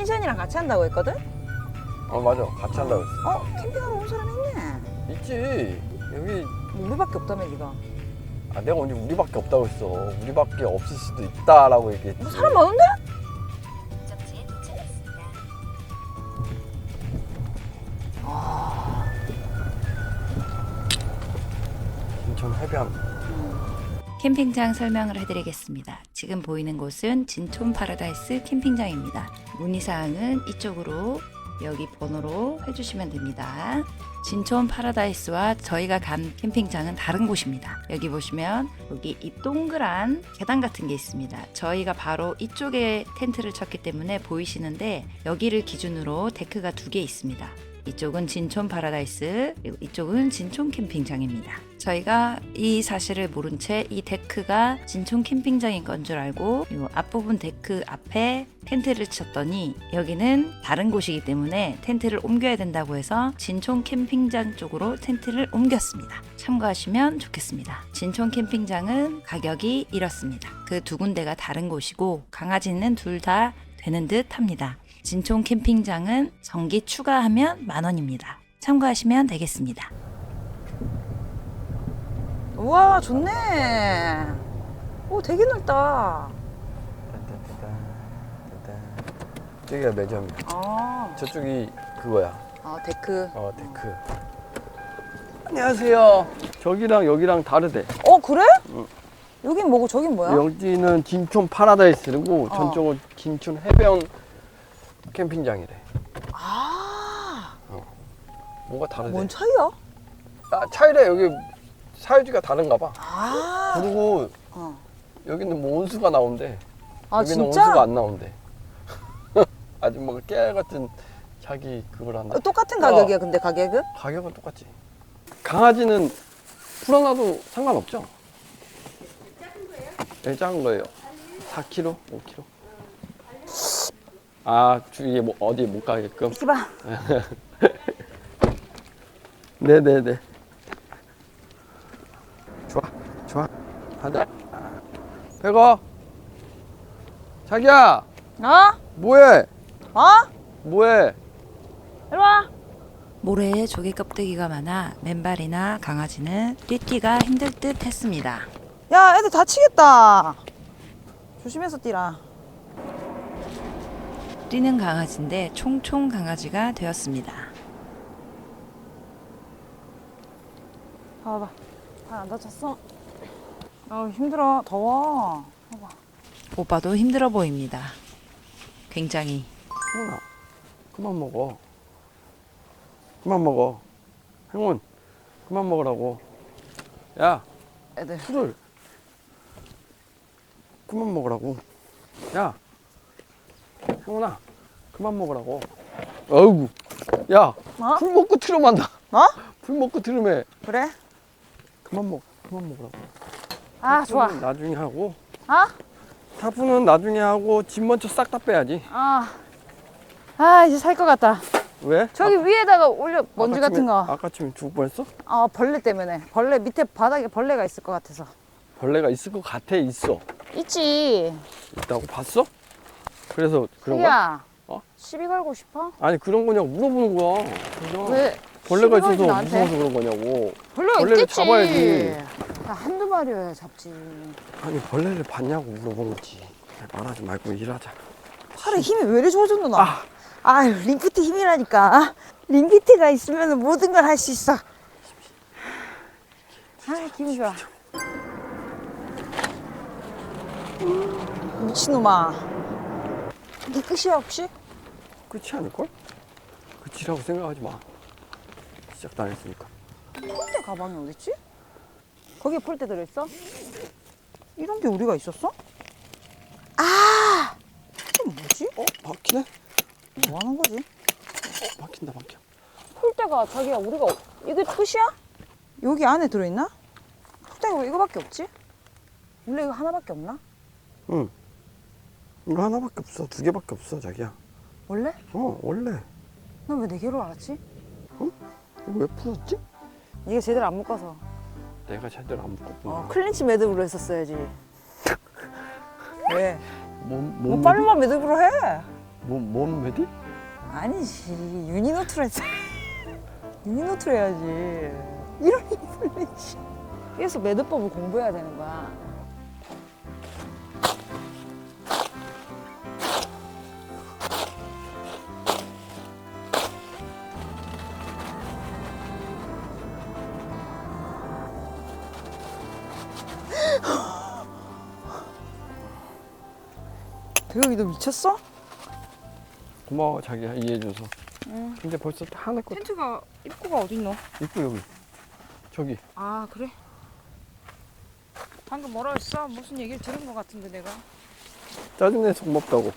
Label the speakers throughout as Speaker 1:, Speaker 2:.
Speaker 1: 펜션이랑 같이 한다고 했거든?
Speaker 2: 맞아. 같이 한다고 했어.
Speaker 1: 캠핑하러 온 사람 있네.
Speaker 2: 있지. 여기
Speaker 1: 우리밖에 없다며 니가.
Speaker 2: 내가 언제 우리밖에 없다고 했어. 우리밖에 없을 수도 있다라고 얘기했지.
Speaker 1: 뭐 사람 많은데?
Speaker 3: 목적지에 도착했습니다.
Speaker 2: 인천 해변.
Speaker 3: 캠핑장 설명을 해드리겠습니다. 지금 보이는 곳은 진촌 파라다이스 캠핑장입니다. 문의사항은 이쪽으로 여기 번호로 해주시면 됩니다. 진촌 파라다이스와 저희가 간 캠핑장은 다른 곳입니다. 여기 보시면 여기 이 동그란 계단 같은 게 있습니다. 저희가 바로 이쪽에 텐트를 쳤기 때문에 보이시는데 여기를 기준으로 데크가 2개 있습니다. 이쪽은 진촌 파라다이스, 그리고 이쪽은 진촌 캠핑장입니다. 저희가 이 사실을 모른 채 이 데크가 진촌 캠핑장인 건 줄 알고 이 앞부분 데크 앞에 텐트를 쳤더니 여기는 다른 곳이기 때문에 텐트를 옮겨야 된다고 해서 진촌 캠핑장 쪽으로 텐트를 옮겼습니다. 참고하시면 좋겠습니다. 진촌 캠핑장은 가격이 이렇습니다. 그 두 군데가 다른 곳이고 강아지는 둘 다 되는 듯 합니다. 진촌 캠핑장은 전기 추가하면 10,000원입니다. 참고하시면 되겠습니다.
Speaker 1: 우와 좋네. 오 되게 넓다.
Speaker 2: 저기가 매점이야. 저쪽이 그거야.
Speaker 1: 데크.
Speaker 2: 데크. 안녕하세요. 저기랑 여기랑 다르대.
Speaker 1: 그래? 여긴 뭐고 저긴 뭐야?
Speaker 2: 여기는 진촌 파라다이스고 전쪽은 진촌 해변 캠핑장이래. 뭐가 다르대.
Speaker 1: 뭔 차이야?
Speaker 2: 차이래. 여기 사유지가 다른가 봐. 그리고 여기는 뭐 온수가 나온대. 여기는
Speaker 1: 진짜?
Speaker 2: 온수가 안 나온대. 아줌마가 깨알 같은 자기 그걸 한다.
Speaker 1: 똑같은 가격이야 근데 가격은?
Speaker 2: 가격은 똑같지. 강아지는 풀어놔도 상관없죠? 작은 거예요? 네, 작은 거예요. 4kg, 5kg. 주위에 뭐 어디 못 가게끔.
Speaker 1: 이렇게 봐.
Speaker 2: 네네네. 좋아. 가자. 백어. 자기야. 뭐해? 뭐해?
Speaker 1: 이리 와.
Speaker 3: 모래에 조개 껍데기가 많아 맨발이나 강아지는 뛰기가 힘들 듯 했습니다.
Speaker 1: 야 애들 다치겠다. 조심해서 뛰라.
Speaker 3: 뛰는 강아지인데 총총 강아지가 되었습니다.
Speaker 1: 봐봐. 발 안 다쳤어? 힘들어. 더워. 봐봐.
Speaker 3: 오빠도 힘들어 보입니다. 굉장히.
Speaker 2: 행운아, 그만 먹어. 그만 먹어. 행운, 그만 먹으라고. 야,
Speaker 1: 애들.
Speaker 2: 술을 그만 먹으라고. 야, 행운아, 그만 먹으라고. 어이구, 야, 풀 먹고 트름한다. 풀 먹고 트름해.
Speaker 1: 그래?
Speaker 2: 그만 먹으라고.
Speaker 1: 좋아.
Speaker 2: 나중에 하고.
Speaker 1: 타프는
Speaker 2: 타프는 나중에 하고 집 먼저 싹 다 빼야지.
Speaker 1: 이제 살 것 같다.
Speaker 2: 왜?
Speaker 1: 저기 위에다가 올려 먼지 같은 거.
Speaker 2: 아까 침에 죽을 뻔했어?
Speaker 1: 벌레 때문에. 벌레 밑에 바닥에 벌레가 있을 것 같아서.
Speaker 2: 벌레가 있을 것 같아. 있어.
Speaker 1: 있지.
Speaker 2: 있다고 봤어? 그래서 그런 거야?
Speaker 1: 자기야.
Speaker 2: 어?
Speaker 1: 시비 걸고 싶어?
Speaker 2: 아니 그런 거냐고 물어보는 거야. 그래서
Speaker 1: 왜?
Speaker 2: 벌레가
Speaker 1: 시비 걸지,
Speaker 2: 있어서
Speaker 1: 나한테?
Speaker 2: 무서워서 그런 거냐고.
Speaker 1: 벌레가
Speaker 2: 벌레를
Speaker 1: 있겠지.
Speaker 2: 잡아야지.
Speaker 1: 한두 마리여야 잡지.
Speaker 2: 아니 벌레를 봤냐고 물어본 거지. 말하지 말고 일하자.
Speaker 1: 팔에 힘이 왜 이리 좋아졌노 나? 링피트 힘이라니까. 링피트가 있으면 모든 걸 할 수 있어. 기분 좋아. 미친놈아. 이게 끝이야 혹시?
Speaker 2: 끝이 아닐걸? 끝이라고 생각하지 마. 시작도 안 했으니까.
Speaker 1: 폴대 가방이 어딨지? 거기에 폴대 들어있어? 이런 게 우리가 있었어? 이게 뭐지?
Speaker 2: 막히네?
Speaker 1: 뭐 하는 거지?
Speaker 2: 막힌다 막혀.
Speaker 1: 폴대가 자기야 우리가 이게 끝이야? 여기 안에 들어있나? 폴대가 왜 이거밖에 없지? 원래 이거 하나밖에 없나?
Speaker 2: 응. 이거 하나밖에 없어. 2개밖에 없어 자기야.
Speaker 1: 원래?
Speaker 2: 원래.
Speaker 1: 난 왜 4개로 알았지?
Speaker 2: 이거 왜 풀었지?
Speaker 1: 이게 제대로 안 묶어서.
Speaker 2: 내가 제대로 안 묶었구나.
Speaker 1: 클린치 매듭으로 했었어야지. 왜?
Speaker 2: 몸
Speaker 1: 뭐 빨리만 매듭으로 해.
Speaker 2: 뭔 메디?
Speaker 1: 아니지 유니노트로 했어. 유니노트로 해야지. 이런 플래시. 그래서 매듭법을 공부해야 되는 거야. 대혁이 너 미쳤어?
Speaker 2: 고마워 자기야 이해해줘서. 근데 벌써 다 하나 거.
Speaker 1: 텐트가 입구가 어딨노?
Speaker 2: 입구 여기. 저기.
Speaker 1: 아 그래? 방금 뭐라 했어? 무슨 얘기를 들은 것 같은데 내가.
Speaker 2: 짜증내서 고맙다고.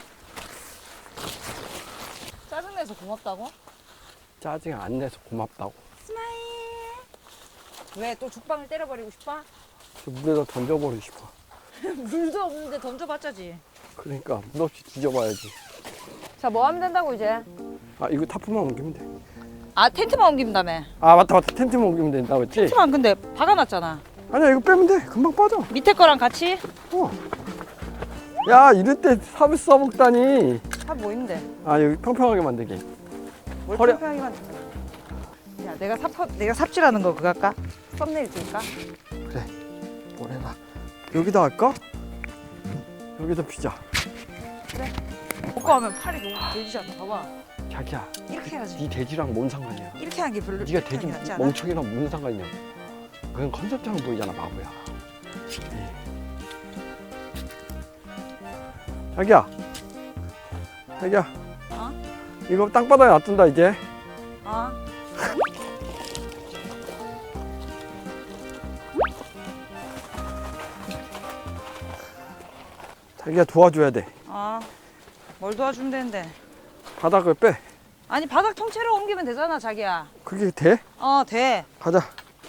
Speaker 1: 짜증내서 고맙다고?
Speaker 2: 짜증 안 내서 고맙다고.
Speaker 1: 스마일. 왜 또 죽방을 때려버리고 싶어?
Speaker 2: 저 물에다 던져버리고 싶어.
Speaker 1: 물도 없는데 던져봤자지.
Speaker 2: 그러니까 물 없이 뒤져봐야지.
Speaker 1: 자 뭐 하면 된다고 이제?
Speaker 2: 아 이거 타프만 옮기면 돼.
Speaker 1: 아 텐트만 옮긴다며.
Speaker 2: 아 맞다 텐트만 옮기면 된다 그랬지?
Speaker 1: 텐트만 근데 박아놨잖아.
Speaker 2: 아니야 이거 빼면 돼 금방 빠져.
Speaker 1: 밑에 거랑 같이?
Speaker 2: 어. 야 이럴 때 삽을 써먹다니.
Speaker 1: 삽뭐 있는데?
Speaker 2: 아 여기 평평하게 만들게.
Speaker 1: 뭘
Speaker 2: 허리-
Speaker 1: 평평하게 만든다. 야 내가 삽질하는 거 그거 할까? 썸네일 찍을까?
Speaker 2: 그래 뭘 해라. 여기다 할까? 여기다 피자.
Speaker 1: 먹고 하면 팔이 너무 돼지지 않나? 봐봐.
Speaker 2: 자기야
Speaker 1: 이렇게 해야지.
Speaker 2: 네 돼지랑 뭔 상관이야.
Speaker 1: 이렇게 하는 게 별로.
Speaker 2: 네가
Speaker 1: 이렇게
Speaker 2: 돼지
Speaker 1: 하는 게 낫지 않아?
Speaker 2: 멍청이랑 무슨 상관이냐. 그건 컨셉처럼 보이잖아 바보야. 자기야
Speaker 1: 어?
Speaker 2: 이거 땅바닥에 놔둔다 이제.
Speaker 1: 어?
Speaker 2: 자기가 도와줘야 돼.
Speaker 1: 어? 뭘 도와주면 되는데?
Speaker 2: 바닥을 빼.
Speaker 1: 아니 바닥 통째로 옮기면 되잖아 자기야.
Speaker 2: 그게 돼?
Speaker 1: 어 돼.
Speaker 2: 가자.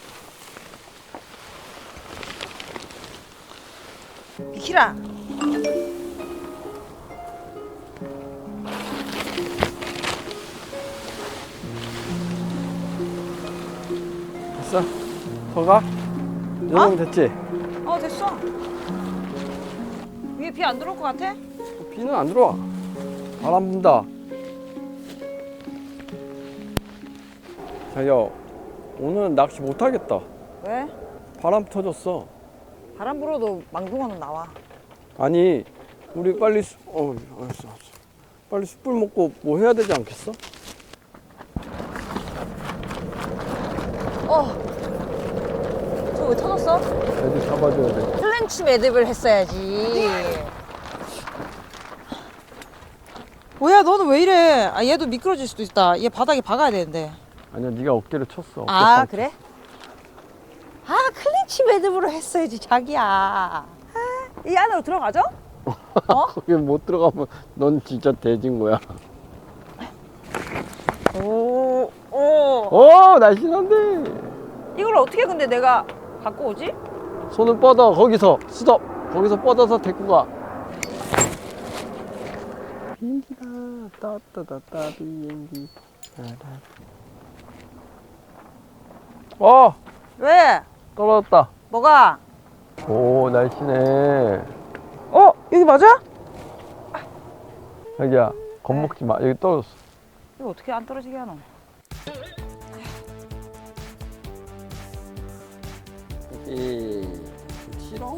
Speaker 1: 비키라.
Speaker 2: 됐어? 더 가? 이 정도면 됐지?
Speaker 1: 어 됐어. 위에 비 안 들어올 것 같아?
Speaker 2: 비는 안 들어와. 바람 분다. 자기야 오늘 낚시 못 하겠다.
Speaker 1: 왜?
Speaker 2: 바람 터졌어.
Speaker 1: 바람 불어도 망둥어는 나와.
Speaker 2: 아니 우리 빨리 알았어. 빨리 숯불 먹고 뭐 해야 되지 않겠어?
Speaker 1: 저거 왜 터졌어?
Speaker 2: 애들 잡아줘야 돼.
Speaker 1: 플랜치 매듭을 했어야지. 뭐야 너는 왜 이래? 아 얘도 미끄러질 수도 있다. 얘 바닥에 박아야 되는데.
Speaker 2: 아니야 네가 어깨를 쳤어.
Speaker 1: 아 그래? 아 클린치 매듭으로 했어야지 자기야. 아, 이 안으로 들어가죠? 어?
Speaker 2: 거기 못 들어가면 넌 진짜 돼진 거야.
Speaker 1: 오.
Speaker 2: 오 날씬한데.
Speaker 1: 이걸 어떻게 근데 내가 갖고 오지?
Speaker 2: 손을 뻗어 거기서 스톱. 거기서 뻗어서 데리고 가. 비행기다 따따따따 비행기.
Speaker 1: 왜?
Speaker 2: 떨어졌다.
Speaker 1: 뭐가?
Speaker 2: 오 날씬해.
Speaker 1: 여기 맞아?
Speaker 2: 자기야 겁먹지 마. 여기 떨어졌어.
Speaker 1: 이거 어떻게 안 떨어지게 하노?
Speaker 2: 싫어.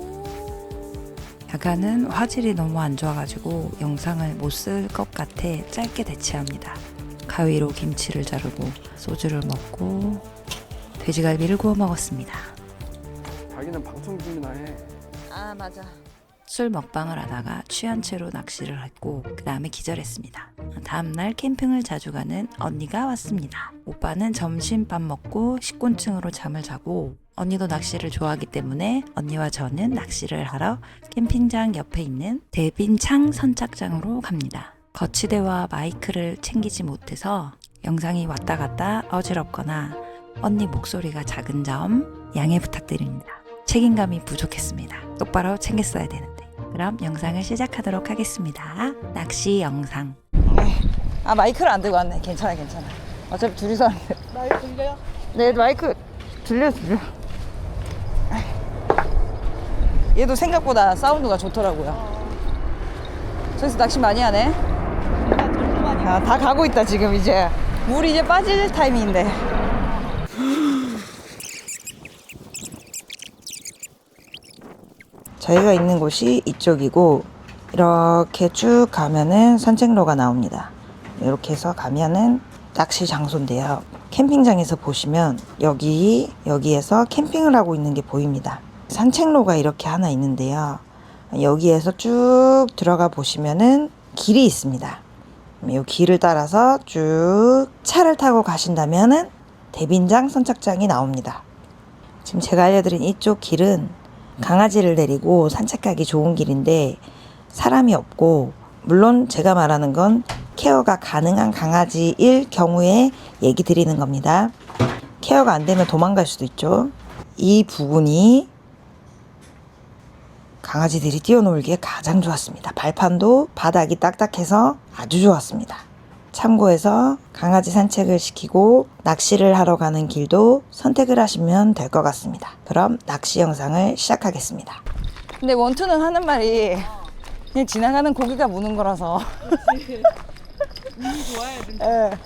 Speaker 3: 야간은 화질이 너무 안 좋아가지고 영상을 못 쓸 것 같아 짧게 대체합니다. 가위로 김치를 자르고 소주를 먹고 돼지갈비를 구워 먹었습니다.
Speaker 2: 자기는 방송 준비나 해.
Speaker 1: 아 맞아.
Speaker 3: 술 먹방을 하다가 취한 채로 낚시를 했고 그 다음에 기절했습니다. 다음날 캠핑을 자주 가는 언니가 왔습니다. 오빠는 점심밥 먹고 식곤증으로 잠을 자고 언니도 낚시를 좋아하기 때문에 언니와 저는 낚시를 하러 캠핑장 옆에 있는 대빈창 선착장으로 갑니다. 거치대와 마이크를 챙기지 못해서 영상이 왔다 갔다 어지럽거나 언니 목소리가 작은 점 양해 부탁드립니다. 책임감이 부족했습니다. 똑바로 챙겼어야 되는데. 그럼 영상을 시작하도록 하겠습니다. 낚시 영상.
Speaker 1: 아 마이크를 안 들고 왔네. 괜찮아. 어차피 둘이서 하는데. 마이크 들려요? 네 마이크 들려. 얘도 생각보다 사운드가 좋더라고요. 저기서 낚시 많이 하네. 야, 다 가고 있다 지금 이제. 물 이제 빠질 타이밍인데. 저희가 있는 곳이 이쪽이고 이렇게 쭉 가면은 산책로가 나옵니다. 이렇게 해서 가면은 낚시 장소인데요. 캠핑장에서 보시면 여기에서 캠핑을 하고 있는 게 보입니다. 산책로가 이렇게 하나 있는데요. 여기에서 쭉 들어가 보시면은 길이 있습니다. 이 길을 따라서 쭉 차를 타고 가신다면은 대빈장 선착장이 나옵니다. 지금 제가 알려드린 이쪽 길은 강아지를 데리고 산책하기 좋은 길인데 사람이 없고, 물론 제가 말하는 건 케어가 가능한 강아지일 경우에 얘기 드리는 겁니다. 케어가 안 되면 도망갈 수도 있죠. 이 부분이 강아지들이 뛰어놀기에 가장 좋았습니다. 발판도 바닥이 딱딱해서 아주 좋았습니다. 참고해서 강아지 산책을 시키고 낚시를 하러 가는 길도 선택을 하시면 될 것 같습니다. 그럼 낚시 영상을 시작하겠습니다. 근데 원투는 하는 말이 그냥 지나가는 고기가 무는 거라서.
Speaker 4: 운이 좋아야 된다.
Speaker 1: 예.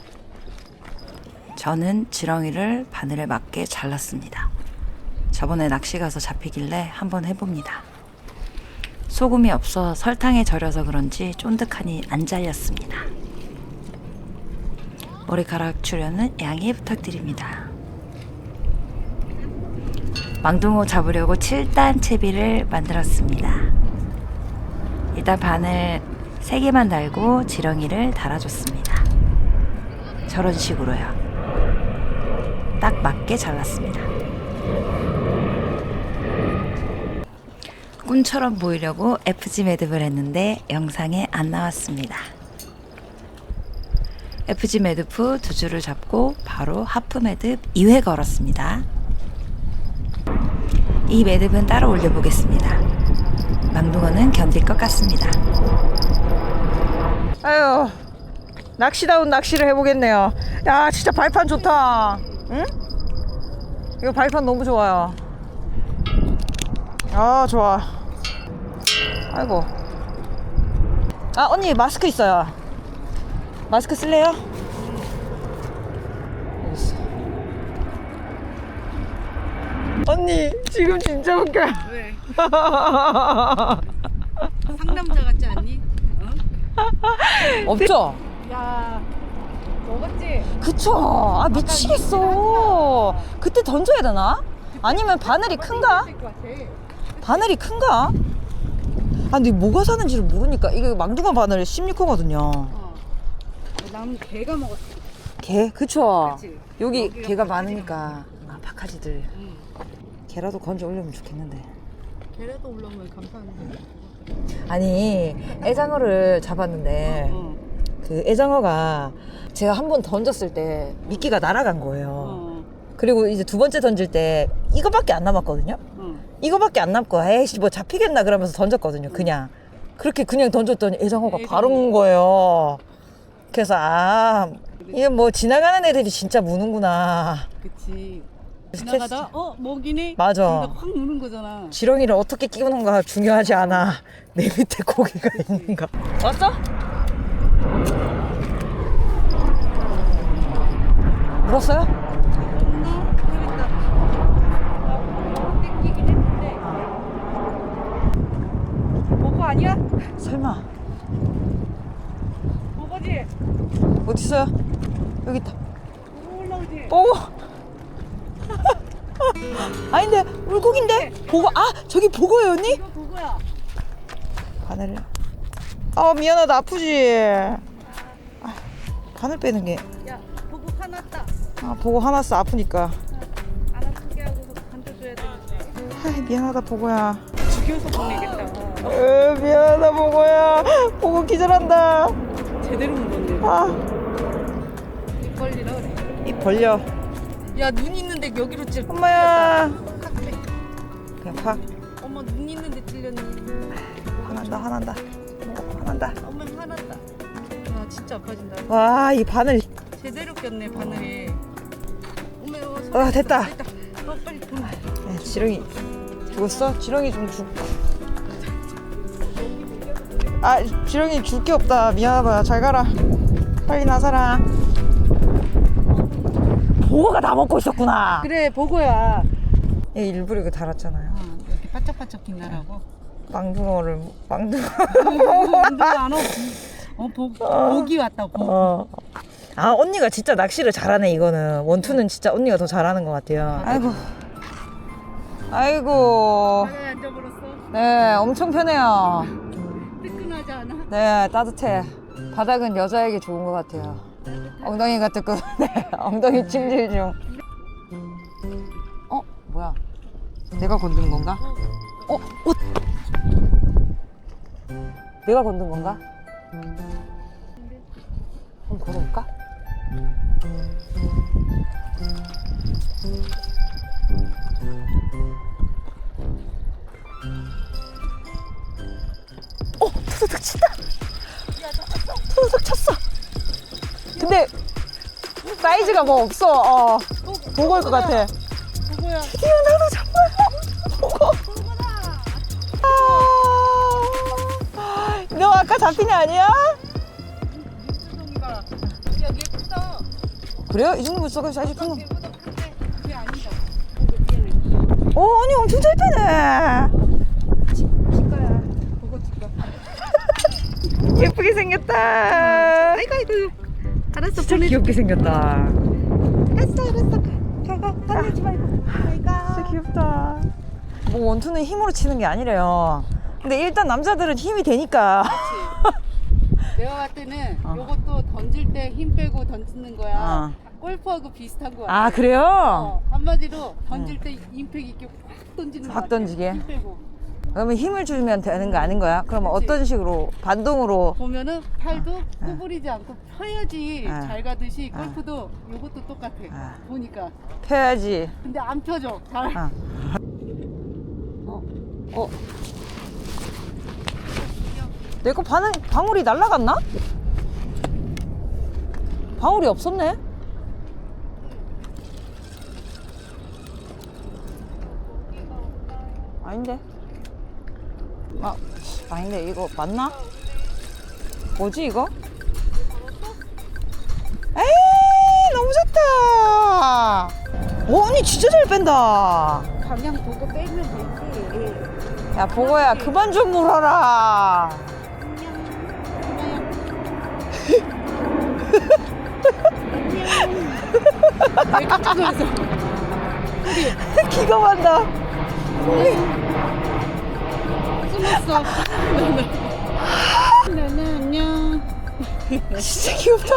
Speaker 3: 저는 지렁이를 바늘에 맞게 잘랐습니다. 저번에 낚시 가서 잡히길래 한번 해봅니다. 소금이 없어 설탕에 절여서 그런지 쫀득하니 안 잘렸습니다. 머리카락 출연은 양해 부탁드립니다. 망둥어 잡으려고 7단 채비를 만들었습니다. 일단 바늘 3개만 달고 지렁이를 달아줬습니다. 저런 식으로요. 딱 맞게 잘랐습니다. 꿈처럼 보이려고 FG 매듭을 했는데 영상에 안 나왔습니다. FG 매듭 후 2줄을 잡고 바로 하프 매듭 2회 걸었습니다. 이 매듭은 따로 올려보겠습니다. 망둥어는 견딜 것 같습니다.
Speaker 1: 아유, 낚시다운 낚시를 해보겠네요. 야, 진짜 발판 좋다. 응? 이거 발판 너무 좋아요. 아, 좋아. 아이고. 아, 언니 마스크 있어요. 마스크 쓸래요? 여기 있어. 언니 지금 진짜 웃겨.
Speaker 4: 왜? 상남자 같지 않니?
Speaker 1: 없죠?
Speaker 4: 야, 먹었지?
Speaker 1: 그쵸. 아, 미치겠어. 그때 던져야 되나? 아니면 바늘이 큰가?
Speaker 4: 것 같아.
Speaker 1: 바늘이 큰가? 아, 근데 뭐가 사는지를 모르니까. 이게 망둥어 바늘 16호거든요.
Speaker 4: 남 개가 먹었어.
Speaker 1: 개? 그쵸.
Speaker 4: 그치?
Speaker 1: 여기
Speaker 4: 여기가
Speaker 1: 개가
Speaker 4: 바카지가
Speaker 1: 많으니까. 아, 바카지들.
Speaker 4: 응.
Speaker 1: 개라도 건져 올려면 좋겠는데.
Speaker 4: 개라도 올라오면 감사한데.
Speaker 1: 아니, 애장어를 잡았는데 그 애장어가 제가 한 번 던졌을 때 미끼가 날아간 거예요. 그리고 이제 두 번째 던질 때 이거밖에 안 남았거든요. 이거밖에 안 남고 에이씨 뭐 잡히겠나 그러면서 던졌거든요. 그냥 그렇게 그냥 던졌더니 애장어가 바로 온 거예요. 그래서 아, 이게 뭐 지나가는 애들이 진짜 무는구나.
Speaker 4: 그치. 지나가다 먹이네.
Speaker 1: 맞아.
Speaker 4: 그러니까 확 무는 거잖아.
Speaker 1: 지렁이를 어떻게 끼우는가 중요하지 않아. 내 밑에 고기가 있는가. 왔어? 물었어요?
Speaker 4: 모르겠다. 땡기긴 했는데. 버거 아니야?
Speaker 1: 설마.
Speaker 4: 버거지?
Speaker 1: 어디 있어요? 여기 있다.
Speaker 4: 버거 올라오지?
Speaker 1: 보고. 아닌데 물고기인데 보고. 아, 저기 보고요 언니?
Speaker 4: 이거 버거야.
Speaker 1: 바늘을. 아, 미안하다. 아프지. 아, 바늘 빼는 게.
Speaker 4: 야, 버거 화났다.
Speaker 1: 아, 보고 화났어. 아프니까.
Speaker 4: 안 아프게 하고서 간져줘야 되는데.
Speaker 1: 아, 미안하다 보고야.
Speaker 4: 죽여서 보내겠다.
Speaker 1: 미안하다 보고야. 보고 기절한다.
Speaker 4: 제대로 먹었네.
Speaker 1: 아,
Speaker 4: 입 벌리라 그래.
Speaker 1: 입 벌려.
Speaker 4: 야, 눈 있는데 여기로 찔.
Speaker 1: 엄마야.
Speaker 4: 팍 그래.
Speaker 1: 그냥 팍.
Speaker 4: 엄마 눈 있는데 찔렸니?
Speaker 1: 화난다 화난다. 화난다.
Speaker 4: 엄마 화났다. 아, 진짜 아파진다.
Speaker 1: 와, 이 바늘.
Speaker 4: 제대로 꼈네 바늘에. 엄마 이거
Speaker 1: 아, 됐다.
Speaker 4: 됐다. 빨리 보내.
Speaker 1: 야, 지렁이 죽었어? 지렁이 좀 죽. 아, 지렁이 줄 게 없다. 미안하다. 잘 가라. 빨리 나서라. 보고가 다 먹고 있었구나.
Speaker 4: 그래 보고야.
Speaker 1: 얘 일부러 이거 달았잖아요.
Speaker 4: 이렇게 바짝바짝 빛나라고.
Speaker 1: 망둥어를 망둥어.
Speaker 4: 안 오. 보기 왔다고.
Speaker 1: 아 언니가 진짜 낚시를 잘하네. 이거는 원투는 진짜 언니가 더 잘하는 것 같아요. 아이고 아이고.
Speaker 4: 바다에 앉아버렸어.
Speaker 1: 네 엄청 편해요.
Speaker 4: 뜨끈하지 않아?
Speaker 1: 네 따뜻해. 바닥은 여자에게 좋은 것 같아요. 엉덩이가 뜨끈. 네 엉덩이 찜질 중. 뭐야? 내가 건든 건가? 옷. 내가 건든 건가? 한번 걸어볼까? 투두둑 친다. 투두둑 쳤어. 근데 사이즈가 뭐 없어. 보고일 것 같아.
Speaker 4: 보고야.
Speaker 1: 드디어 나도 정말 보고. 너 아까 잡힌 애 아니야?
Speaker 4: 물고기가. 여기 예쁘다.
Speaker 1: 그래요? 이 정도 물속에 사이즈 큰 거.
Speaker 4: 얘보다 큰데 그게 아니다.
Speaker 1: 언니 엄청 잘 빼네.
Speaker 4: 치과야. 보고 치과.
Speaker 1: 예쁘게 생겼다.
Speaker 4: 아이고. 알았어.
Speaker 1: 진짜
Speaker 4: 보내줄게.
Speaker 1: 귀엽게 생겼다.
Speaker 4: 알았어. 가가. 화내지 말고.
Speaker 1: 진짜 귀엽다. 뭐 원투는 힘으로 치는 게 아니래요. 근데 일단 남자들은 힘이 되니까.
Speaker 4: 내가 봤을 때는 요것도 던질 때 힘 빼고 던지는 거야. 골프하고 비슷한 거 같아.
Speaker 1: 아 그래요?
Speaker 4: 한마디로 던질 때 임팩 있게 확 던지는 거
Speaker 1: 확
Speaker 4: 같아.
Speaker 1: 던지게?
Speaker 4: 힘 빼고.
Speaker 1: 그러면 힘을 주면 되는 거 아닌 거야? 그러면 어떤 식으로 반동으로?
Speaker 4: 보면은 팔도 구부리지 않고 펴야지
Speaker 1: 아.
Speaker 4: 잘 가듯이 골프도 요것도 똑같아.
Speaker 1: 아.
Speaker 4: 보니까.
Speaker 1: 펴야지.
Speaker 4: 근데 안 펴져. 잘.
Speaker 1: 아. 내 거 방울이 날라갔나? 방울이 없었네? 아닌데? 아닌데 이거 맞나? 뭐지 이거? 에이 너무 좋다. 언니 진짜 잘 뺀다.
Speaker 4: 방향 보고 빼면 되지.
Speaker 1: 야 보고야 그만 좀 물어라.
Speaker 4: 왜 깜짝 놀랐어?
Speaker 1: 기가 막다.
Speaker 4: 숨었어. 나는 안녕.
Speaker 1: 진짜 귀엽다.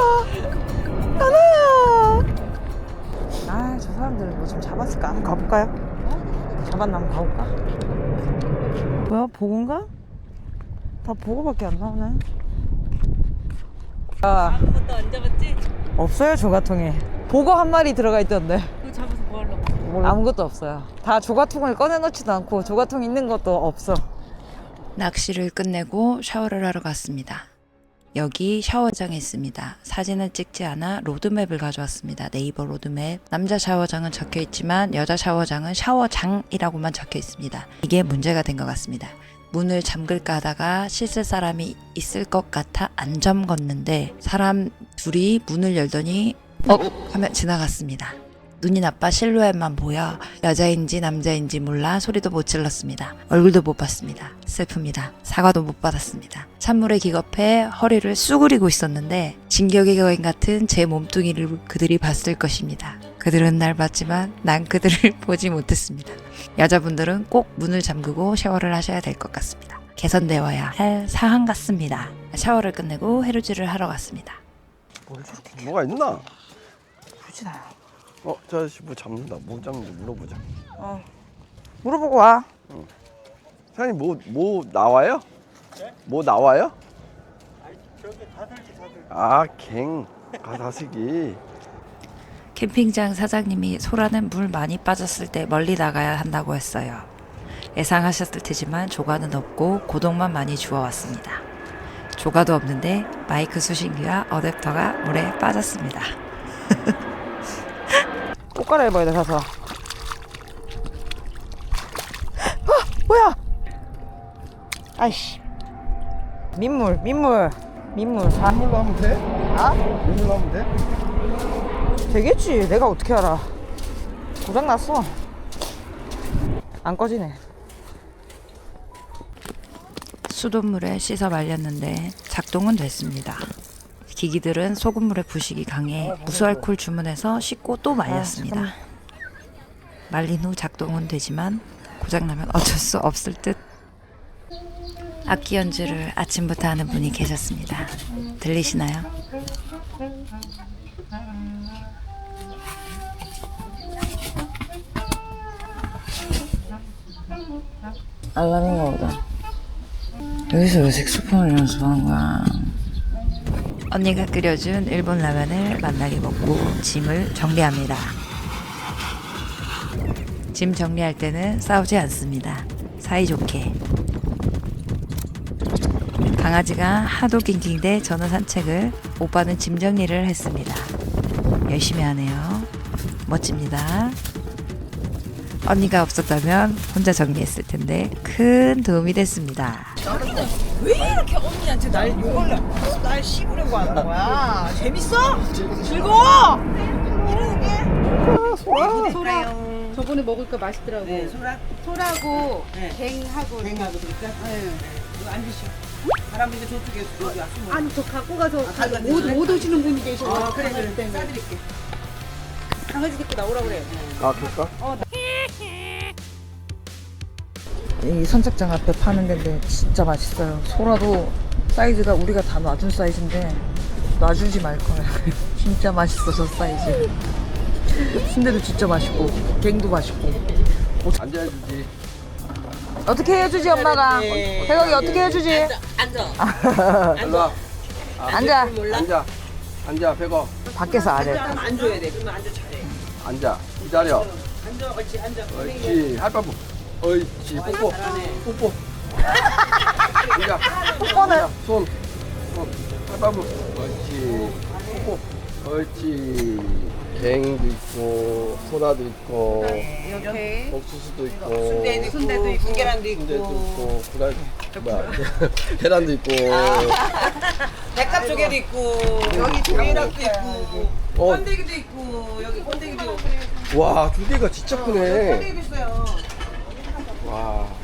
Speaker 1: 하나야. 저 사람들 뭐 좀 잡았을까? 한번 가볼까요? 잡았나 한번 가볼까? 뭐야 보고인가? 다 보고밖에 안 나오네.
Speaker 4: 아무것도 안 잡았지?
Speaker 1: 없어요 조가통에. 보고 한 마리 들어가 있던데.
Speaker 4: 그거 잡아서 뭐 하려고?
Speaker 1: 아무것도 없어요. 다 조가통을 꺼내놓지도 않고 조가통 있는 것도 없어.
Speaker 3: 낚시를 끝내고 샤워를 하러 갔습니다. 여기 샤워장이 있습니다. 사진을 찍지 않아 로드맵을 가져왔습니다. 네이버 로드맵. 남자 샤워장은 적혀 있지만 여자 샤워장은 샤워장이라고만 적혀 있습니다. 이게 문제가 된 것 같습니다. 문을 잠글까 하다가 씻을 사람이 있을 것 같아 안 잠궜는데 사람 둘이 문을 열더니 하면 지나갔습니다. 눈이 나빠 실루엣만 보여 여자인지 남자인지 몰라 소리도 못 질렀습니다. 얼굴도 못 봤습니다. 슬픕니다. 사과도 못 받았습니다. 찬물에 기겁해 허리를 쑤그리고 있었는데 진격의 거인 같은 제 몸뚱이를 그들이 봤을 것입니다. 그들은 날 봤지만 난 그들을 보지 못했습니다. 여자분들은 꼭 문을 잠그고 샤워를 하셔야 될 것 같습니다. 개선되어야 할 사항 같습니다. 샤워를 끝내고 해루질을 하러 갔습니다.
Speaker 1: 뭘 저렇게
Speaker 2: 뭐가 있나?
Speaker 1: 부지나요.
Speaker 2: 저 아저씨 뭐 잡는다. 뭐 잡는지 물어보자.
Speaker 1: 물어보고 와.
Speaker 2: 사장님 뭐 나와요? 뭐 나와요? 갱 가다슬기.
Speaker 3: 캠핑장 사장님이 소라는 물 많이 빠졌을 때 멀리 나가야 한다고 했어요. 예상하셨을 테지만 조과는 없고 고동만 많이 주워왔습니다. 조과도 없는데 마이크 수신기와 어댑터가 물에 빠졌습니다.
Speaker 1: 옷 갈아입어야 돼 가서. 뭐야? 아이씨. 민물.
Speaker 2: 물로 하면 돼?
Speaker 1: 아?
Speaker 2: 일로 하면 돼?
Speaker 1: 되겠지. 내가 어떻게 알아. 고장났어. 안 꺼지네.
Speaker 3: 수돗물에 씻어 말렸는데 작동은 됐습니다. 기기들은 소금물의 부식이 강해 무수알콜 주문해서 씻고 또 말렸습니다. 말린 후 작동은 되지만 고장나면 어쩔 수 없을 듯. 악기 연주를 아침부터 하는 분이 계셨습니다. 들리시나요?
Speaker 1: 알람인가 보다. 여기서 왜 색소폰을 연습하는 거야?
Speaker 3: 언니가 끓여준 일본 라면을 만나게 먹고 짐을 정리합니다. 짐 정리할 때는 싸우지 않습니다. 사이좋게. 강아지가 하도 낑낑대 저는 산책을, 오빠는 짐 정리를 했습니다. 열심히 하네요. 멋집니다. 언니가 없었다면 혼자 정리했을 텐데 큰 도움이 됐습니다.
Speaker 1: 왜 이렇게 언니한테 날 씹으려고 하는 거야? 재밌어? 즐거워? 이러는 게?
Speaker 4: 소라 저번에 먹을까 맛있더라고.
Speaker 1: 네,
Speaker 4: 소라고
Speaker 1: 네.
Speaker 4: 갱하고
Speaker 1: 그러니까?
Speaker 4: 네.
Speaker 1: 이거 앉으시오. 할아버지 저쪽에 여기 왔으면.
Speaker 4: 아니 저 갖고 가서
Speaker 1: 가져다
Speaker 4: 못 오시는 분이 계셔서
Speaker 1: 그래. 싸드릴게. 강아지 데리고 나오라 그래.
Speaker 2: 아, 그럴까?
Speaker 1: 이 선착장 앞에 파는 데인데 진짜 맛있어요. 소라도 사이즈가 우리가 다 놔준 사이즈인데 놔주지 말 거야. 진짜 맛있어 저 사이즈. 순대도 진짜 맛있고 갱도 맛있고.
Speaker 2: 앉아야지.
Speaker 1: 어떻게 해주지 엄마가? 대각이 어떻게 해주지?
Speaker 2: 일로 와.
Speaker 1: 앉아.
Speaker 2: 앉아. 앉아, 배고.
Speaker 1: 밖에서 안 해.
Speaker 5: 안 줘야 돼. 그러면 앉아 잘해.
Speaker 2: 앉아. 기다려.
Speaker 5: 앉아, 옳지, 앉아.
Speaker 2: 옳지. 할바부. 옳지. 뽀뽀. 뽀뽀. 앉아.
Speaker 1: 뽀뽀는?
Speaker 2: 손. 할바부. 옳지. 뽀뽀. 옳지. 갱도 있고, 소라도 있고,
Speaker 4: 이렇게
Speaker 2: 옥수수도 있고,
Speaker 5: 순대도 있고, 계란도
Speaker 2: 순대도
Speaker 5: 있고,
Speaker 2: 있고, 구라, 뭐야, 계란도 있고.
Speaker 5: 백합 조개도 있고, 여기 조개락도 있고,
Speaker 2: 어,
Speaker 5: 번데기도 있고, 여기 번데기도 있고,
Speaker 2: 와, 두 개가 진짜 크네.
Speaker 5: 번데기도 있어요.
Speaker 2: 와.